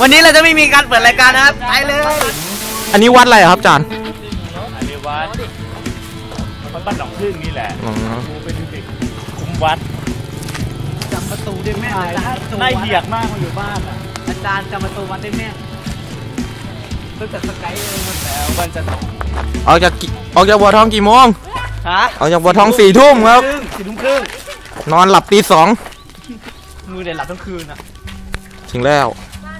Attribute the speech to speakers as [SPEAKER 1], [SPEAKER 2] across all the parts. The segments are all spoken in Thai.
[SPEAKER 1] วันนี้เราจะไม่มีการเปิดรายการนะครับไปเลย
[SPEAKER 2] อันนี้วัดอะไรครับอาจารย์
[SPEAKER 3] อันนี้วัดบ้านหนองพึ่งนี่แหละกูเป็นเด็กคุมวัด
[SPEAKER 1] จำประตูได้แม่
[SPEAKER 3] น่าเหียกมากมาอยู่บ้านอ่ะ
[SPEAKER 1] อาจารย์จำประตูวัดได้แม่ตั้งแต่สกายเลยมาแล้ววันจะ
[SPEAKER 2] ออกจากบัวทองกี่โมง
[SPEAKER 1] ฮะ
[SPEAKER 2] ออกจากบัวทอง4 ทุ่มครับ
[SPEAKER 1] 4 ทุ่มครึ่ง
[SPEAKER 2] นอนหลับตี 2
[SPEAKER 1] มือเด็ดหลับทั้งคืนอ่ะ
[SPEAKER 2] ถึงแล้ว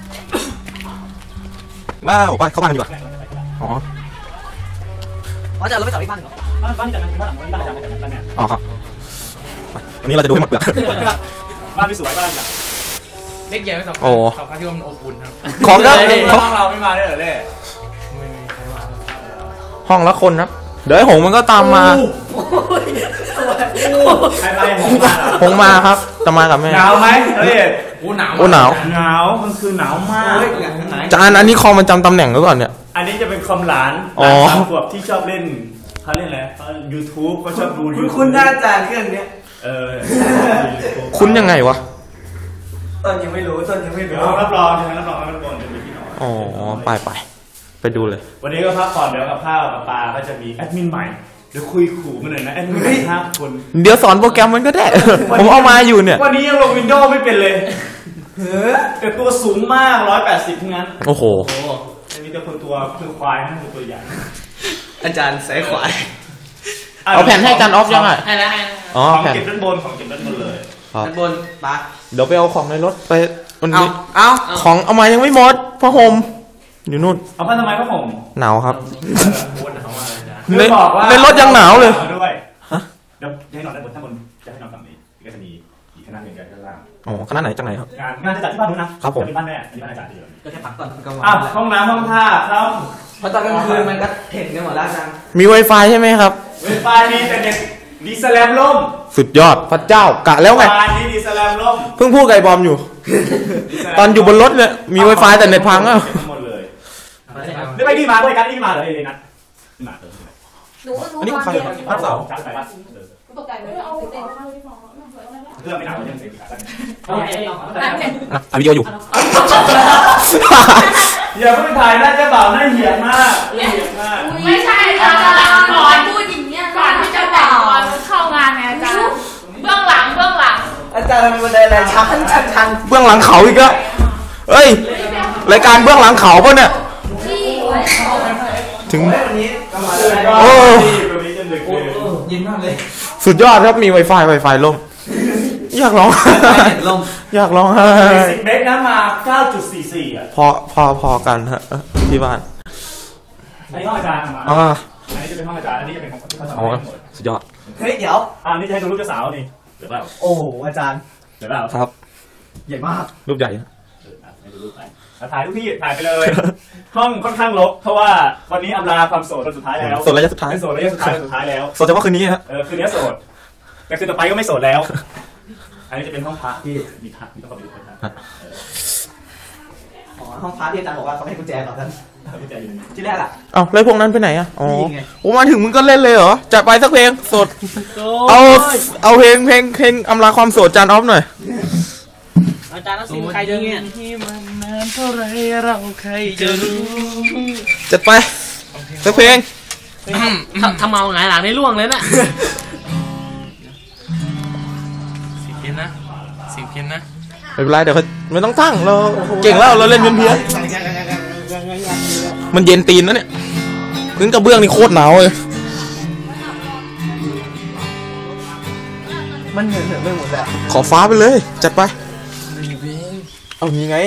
[SPEAKER 2] ว้าวไปเข้าบ้านดีกว่าอ๋อ
[SPEAKER 1] จะเราไม่ต่อที่บ้านเหรอ
[SPEAKER 3] บ้านที่จัดงานบ้านหลังบ้านจัดงานเนี่ย
[SPEAKER 2] อ๋อครับวันนี้เราจะดูให้หมดเปลือก
[SPEAKER 3] บ้านที่สวยบ้านจัด
[SPEAKER 1] เล็กใหญ่ไม่สำคัญสำคัญที่ว่ามันอบอุ่นครับ
[SPEAKER 2] ของก็
[SPEAKER 3] ห้องเราไม่มาได้เหรอเล่
[SPEAKER 2] ห้องละคนครับเดี๋ยวไอ้หงมันก็ตามมาหงมาครับจะมากับแม่
[SPEAKER 3] หนาวไหมเล่
[SPEAKER 2] หนาว
[SPEAKER 3] มันคือหนาวมาก
[SPEAKER 2] จานอันนี้คอมมันจำตำแหน่งหรือเปล่าเนี่ย
[SPEAKER 3] อันนี้จะเป็นคอมหลาน3 ขวบที่ชอบเล่นเขาเล่นอะไรYouTube ก็ชอบดู
[SPEAKER 1] คุณหน้าจานเครื่องนี้
[SPEAKER 2] คุณยังไงวะ
[SPEAKER 1] ต้นยังไม่รู้
[SPEAKER 3] รับรองจะเป็นพี่น้อง
[SPEAKER 2] อ๋อไปดูเลย
[SPEAKER 3] วันนี้ก็พักผ่อนเดี๋ยวกับข้าวกับปลาก็จะมีแอดมินใหม่เดี๋ยวคุยขู่มันหน่อยนะแอดมิน5 คน
[SPEAKER 2] เดี๋ยวสอนโปรแกรมมันก็ได้ผมเอามาอยู่เนี่ย
[SPEAKER 3] วันนี้ยังลง Windows ไม่เป็นเลยแต่ตัวสูงมาก180ทั้งนั้น
[SPEAKER 2] โอ้โห
[SPEAKER 3] มีแต่คนตัวคือควายนั่นคือตัวใหญ่
[SPEAKER 1] อาจารย์ใส่ควาย
[SPEAKER 2] เอาแผ่นให้อาจารย์ออฟยังไง
[SPEAKER 1] ให้แล้ว
[SPEAKER 3] ของเก็บด้านบนเลย
[SPEAKER 1] ด้านบนปะ
[SPEAKER 2] เดี๋ยวไปเอาของในรถไป
[SPEAKER 1] เอา
[SPEAKER 2] ของเอามายังไม่หมดผ้าห่มอยู่นู่น
[SPEAKER 3] เอาผ้าทำไมผ้าห่ม
[SPEAKER 2] หนาวครับ
[SPEAKER 3] ใน
[SPEAKER 2] รถยังหนาวเลย
[SPEAKER 3] ด้วยฮะเดี๋ยวให้นอนด้านบนถ้าบนจะให้นอนฝั่งนี้ก็จะมีอีกคณะหนึ่งกันด้านล่าง
[SPEAKER 2] อ๋อคณะไหนจังไหนครับ
[SPEAKER 3] งานจะจัดที่บ้านนู้นนะครับ
[SPEAKER 2] ผม
[SPEAKER 3] ที่บ้านแม่ที่บ้านอาจารย์เดียว
[SPEAKER 1] ก็แค่พักก่อน
[SPEAKER 3] ห้องน้ำห้องท่าครับ
[SPEAKER 1] เพราะตอนกลางคืนมันก็เห็นกันหมดแล้วจัง
[SPEAKER 2] มี Wi-Fi ใช่ไหมครับ
[SPEAKER 3] Wi-Fi มีแต่เน็ตดีสแลมล่ม
[SPEAKER 2] สุดยอดพระเจ้ากะแล้วไง
[SPEAKER 3] Wi-Fi นี่ดีสแลมล่ม
[SPEAKER 2] เพิ่งพูดกับไอ้บอมอยู่ตอนอยู่บนรถเนี่ยมี Wi-Fi แต่เน็ตพังอ่ะ
[SPEAKER 3] หมดเลยไม่ไปนี่มาด้วยกันนี่มาเหรอเลยนัดมา
[SPEAKER 2] อันนี้ใครพัดเสา
[SPEAKER 3] ตกใจไหมเรื่องไม่หนาวยังเสร็จ
[SPEAKER 2] ถ่ายวิดีโออยู่
[SPEAKER 3] อย่าเพิ่งถ่ายน่าจะบ่าวน่าเหี้ยมาก
[SPEAKER 4] ไม่ใช่อาจารย์ก่อนพูดอย่างเงี้ยก่อนที่จะแต่งก่อนเข้างานเนี่ยอาจารย์เบื้องหลัง
[SPEAKER 1] อาจารย์มีบันไดอะไรชัน
[SPEAKER 2] เบื้องหลังเขาอีกแล้วเอ้ยรายการเบื้องหลังเขาป่ะเนี่ยถึงโอ้
[SPEAKER 1] ยินมากเลย
[SPEAKER 2] สุดยอดครับมี Wi-Fi ล่มอยากร้องอยากร้อง
[SPEAKER 3] 10 เมกนะมา 9.44 อ่ะ
[SPEAKER 2] พอกันฮะที่บ้าน
[SPEAKER 3] อันนี้ห้องอาจารย์มาอันนี้จะเป็นห้องอาจารย์อันนี้จะเป็นของที่เขาทำให้หมด
[SPEAKER 2] สุดยอด
[SPEAKER 1] เฮ้ยเดี๋ยว
[SPEAKER 3] นี่จะให้ดูรูปเจ้าสาวนี่เดี๋ยวเปล่า
[SPEAKER 1] โอ้โหอาจารย์
[SPEAKER 3] เดี๋ยวเปล่า
[SPEAKER 2] ครับ
[SPEAKER 1] ใหญ่มาก
[SPEAKER 2] รูปใหญ่
[SPEAKER 3] ให้ดูรูปไปถ่ายทุกที่ถ่ายไปเลยห้องค่อนข้างรกเพราะว่าวันนี้อำลาความโสดสุดท้ายแล้ว
[SPEAKER 2] โสดระยะสุดท้าย
[SPEAKER 3] โสดระยะสุดท้ายแล้ว
[SPEAKER 2] โสดเฉพาะคืนนี้ฮะ
[SPEAKER 3] คืนนี้โสดแต่คืนต่อไปก็ไม่โสดแล้วอันนี้จะเป็นห้องพักที่มีพักมีต้องเข้าไปดูนะ
[SPEAKER 1] ห้องพักที่อาจารย์บอกว่าเขาให้กุญแจก่อนท่านที่แรกอ่ะ
[SPEAKER 2] แล้วพวกนั้นไปไหนอ่ะอ๋อมาถึงมึงก็เล่นเลยเหรอจัดไปสักเพลงโสดเอาเพลงอำลาความโสดจานออฟหน่อย
[SPEAKER 1] อาจารย์ต้องซิมใครจะเงี้ยที่มันนานเท่าไรเราใครจะรู้
[SPEAKER 2] จัดไปสักเพลง
[SPEAKER 1] ทำเมาไงหลังในร่วงเลยน่ะเพี้ยนนะ
[SPEAKER 2] ไม่เป็นไรเดี๋ยวไม่ต้องตั้งเราเก่งแล้วเราเล่นเพี้ยนมันเย็นตีนนะเนี่ยพื้นกระเบื้องนี่โคตรหนาวเลย
[SPEAKER 1] มันเหนื่อยไปหมดแล้ว
[SPEAKER 2] ขอฟ้าไปเลยจัดไปเอางี้ไง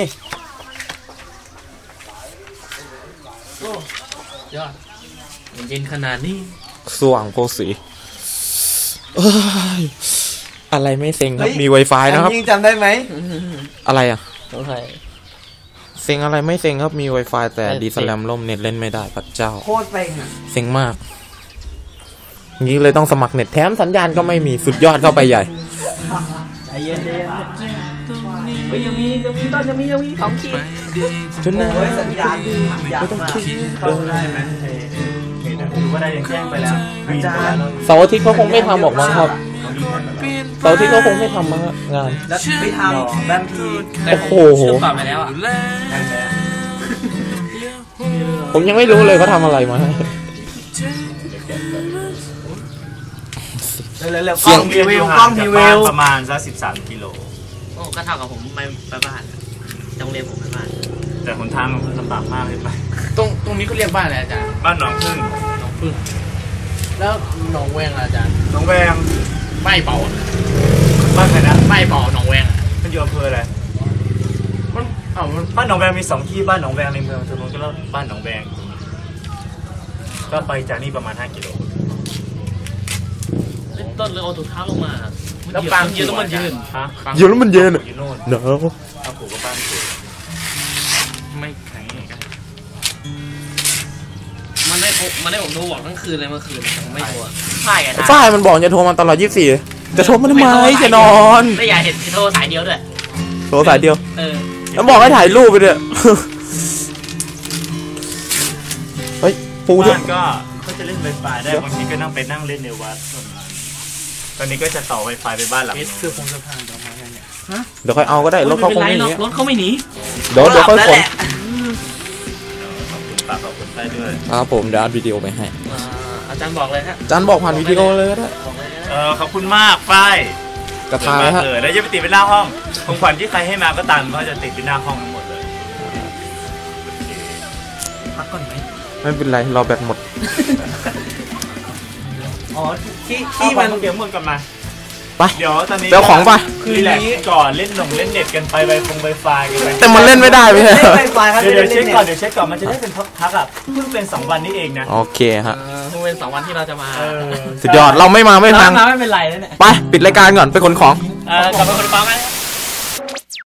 [SPEAKER 1] ยอดเย็นขนาดนี้
[SPEAKER 2] สว่างโพสีอะไรไม่เซ็งครับมี Wi-Fi นะครับ
[SPEAKER 1] จำได้ไหม
[SPEAKER 2] อะไรอ่ะเซ็งอะไรไม่เซ็งครับมี Wi-Fi แต่ดีสแลมล่มเน็ตเล่นไม่ได้พระเจ้า
[SPEAKER 1] โคตรไป
[SPEAKER 2] เซ็งมากงี้เลยต้องสมัครเน็ตแถมสัญญาณก็ไม่มีสุดยอดเข้าไปใหญ่
[SPEAKER 1] ใจเย็นยังมีของขีด
[SPEAKER 2] จนนะ
[SPEAKER 1] สัญญาณอยากมาเข้าได้ไหม
[SPEAKER 3] ถือว่าได้ยังแจ้งไปแล้ว
[SPEAKER 2] เสาร์อาทิตย์เขาคงไม่ทำบอกมั้งครับเสาร์อาที่ก็คงไม่ทำมั้งฮะงาน
[SPEAKER 1] แล้วไปทำบางที
[SPEAKER 2] โอ้โห
[SPEAKER 1] เชื่อมต่อไปแล้วอ่ะ
[SPEAKER 2] ผมยังไม่รู้เลยเขาทำอะไรมาให้
[SPEAKER 1] เร็วๆ
[SPEAKER 2] เสียง
[SPEAKER 1] รีวิวกล้องรีวิว
[SPEAKER 3] ประมาณสัก13 กิโล
[SPEAKER 1] โอ้ก็เท่ากับผมไปบ้านโรงเรียนผมไปบ้าน
[SPEAKER 3] แต่หนทางมันลำบากมากเลยไป
[SPEAKER 1] ตรงนี้ก็เรียกบ้านอะไรอาจารย์
[SPEAKER 3] บ้านหนองพึ่ง
[SPEAKER 1] หนองพึ่งแล้วหนองแวงอาจารย์
[SPEAKER 3] หนองแวง
[SPEAKER 1] ไม่เป่า
[SPEAKER 3] บ้านใครนะ
[SPEAKER 1] ไม่เป่าหนองแวง
[SPEAKER 3] มันอยู่อำเภออะไร
[SPEAKER 1] มันมัน
[SPEAKER 3] บ้านหนองแวงมี2 ที่บ้านหนองแวงในเมืองตรงนู้นก็แล้วบ้านหนองแวงก็ไปจากนี่ประมาณ5 กิโล
[SPEAKER 1] ต้นเลยเอาถุงเท้าลงมาแล้วปางยืนต้องมันยืน
[SPEAKER 3] ฮะ
[SPEAKER 2] เดี๋ยวแล้วมันเย็น
[SPEAKER 3] อยู่โน่น
[SPEAKER 2] หนาว
[SPEAKER 3] เอาผูกกับบ้านผูก
[SPEAKER 1] ไม่แข็งกันมันได้ผมโทรบอกทั้งคืนเลยเมื่อคืนผมไม่โทรใช่ไง
[SPEAKER 2] ฝ้ายมันบอกจะโทรมาตลอด24จะโทรมาทำไมจะนอน
[SPEAKER 1] ไม่อยากเห็นโทรสายเดียวด้วย
[SPEAKER 2] โทรสายเดียว
[SPEAKER 1] แล้ว
[SPEAKER 2] แล้วบอกให้ถ่ายรูปไปด้วย เฮ้ยปูเถ
[SPEAKER 3] บ้า
[SPEAKER 2] อะ
[SPEAKER 3] นก็จะเล่น Wi-Fi ได้บางทีก็นั่งไปนั่งเล่นในวัดส่วนนั้นตอนนี้ก็จะต่อ Wi-Fi ไปบ้านหลัง
[SPEAKER 1] เอ
[SPEAKER 3] นู้
[SPEAKER 1] ส
[SPEAKER 3] น
[SPEAKER 1] คือพงสะพานประมาณนั้นเนี่ย
[SPEAKER 2] เดี๋ยวค่อยเอาก็ได้รถเขาคงไม่หนี
[SPEAKER 1] รถเขาไม่หนี
[SPEAKER 2] เดี๋ยวค่อยขน
[SPEAKER 3] ขอบคุณปากขอบคุณไปด้วย
[SPEAKER 2] ครับผมเดี๋ยวอัดวิดีโอไปให้
[SPEAKER 1] อาจารย์บอกเลยฮะ
[SPEAKER 2] จันบอกผ่านวิดีโอเลยก็ได้
[SPEAKER 1] บอกเลยนะ
[SPEAKER 3] ขอบคุณมากฝ้าย
[SPEAKER 2] กระทายฮะ
[SPEAKER 3] แล้วจะไปติดเป็นหน้าห้องของขวัญที่ใครให้มาก็ตามก็จะติดเป็นหน้าห้องทั้งหมดเลย
[SPEAKER 1] พักก่อนไหม
[SPEAKER 2] ไม่เป็นไรรอแบตหมด
[SPEAKER 1] อ๋อที่
[SPEAKER 3] ที่
[SPEAKER 1] มั
[SPEAKER 3] มัน นเดี๋ยวมึงกลับมา
[SPEAKER 2] ไป
[SPEAKER 3] เดี๋ยวตอนนี้
[SPEAKER 2] เดี๋ยวของไป
[SPEAKER 3] คือรีแลกซ์ก่อนเล่นเล่นเน็ตกันไปไวไฟกันไป
[SPEAKER 2] แต่มันเล่นไม่ได้พี่
[SPEAKER 1] เล่นไฟฟ้าครับ
[SPEAKER 3] เดี๋ยวเช็คก่อนเดี๋ยวเช็คก่อนมันจะได้เป็นพักอ่ะเพิ่งเป็น2 วันนี้เองนะ
[SPEAKER 2] โอเคฮะ
[SPEAKER 1] เพิ่งเป็น2 วันที่เราจะมา
[SPEAKER 2] สุดยอดเราไม่มาไม่พัง
[SPEAKER 1] ไม่เป็นไรแล้วเนี่ย
[SPEAKER 2] ไปปิดรายการก่อนไปขนของ
[SPEAKER 1] กลับมาคนฟังไหม